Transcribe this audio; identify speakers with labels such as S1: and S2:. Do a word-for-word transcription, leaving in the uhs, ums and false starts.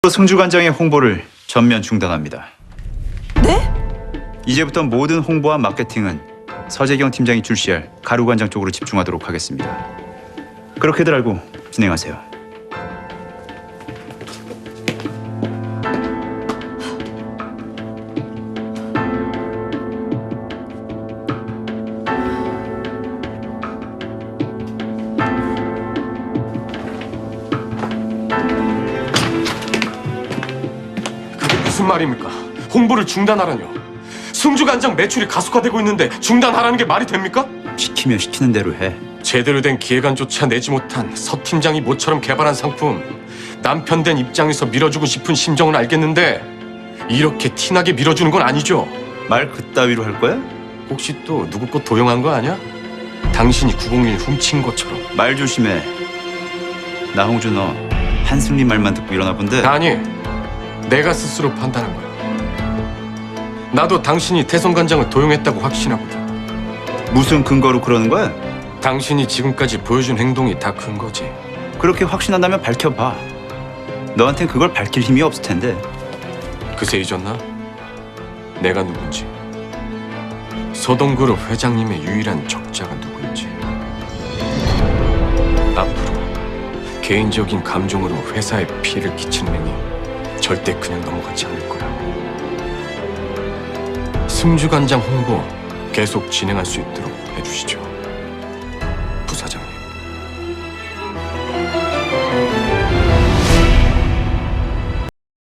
S1: 승주관장의 홍보를 전면 중단합니다.
S2: 네?
S1: 이제부터 모든 홍보와 마케팅은 서재경 팀장이 출시할 가루관장 쪽으로 집중하도록 하겠습니다. 그렇게들 알고 진행하세요.
S3: 무슨 말입니까? 홍보를 중단하라뇨. 승주관장 매출이 가속화되고 있는데 중단하라는 게 말이 됩니까?
S1: 시키면 시키는 대로 해.
S3: 제대로 된 기획안조차 내지 못한 서 팀장이 모처럼 개발한 상품, 남편 된 입장에서 밀어주고 싶은 심정은 알겠는데 이렇게 티나게 밀어주는 건 아니죠?
S1: 말 그따위로 할 거야?
S3: 혹시 또 누구 것 도용한 거 아니야? 당신이 구공일 훔친 것처럼.
S1: 말 조심해. 나 홍주 너 한승리 말만 듣고 일어나 본데.
S3: 아니, 내가 스스로 판단한 거야. 나도 당신이 태성관장을 도용했다고 확신하거든.
S1: 무슨 근거로 그러는 거야?
S3: 당신이 지금까지 보여준 행동이 다 근거지.
S1: 그렇게 확신한다면 밝혀봐. 너한텐 그걸 밝힐 힘이 없을 텐데.
S3: 그새 잊었나? 내가 누군지. 서동그룹 회장님의 유일한 적자가 누구인지. 앞으로 개인적인 감정으로 회사에 피해를 끼치는 행위 절대 그냥 넘어가지 않을 거야. 승주관장 홍보 계속 진행할 수 있도록 해주시죠.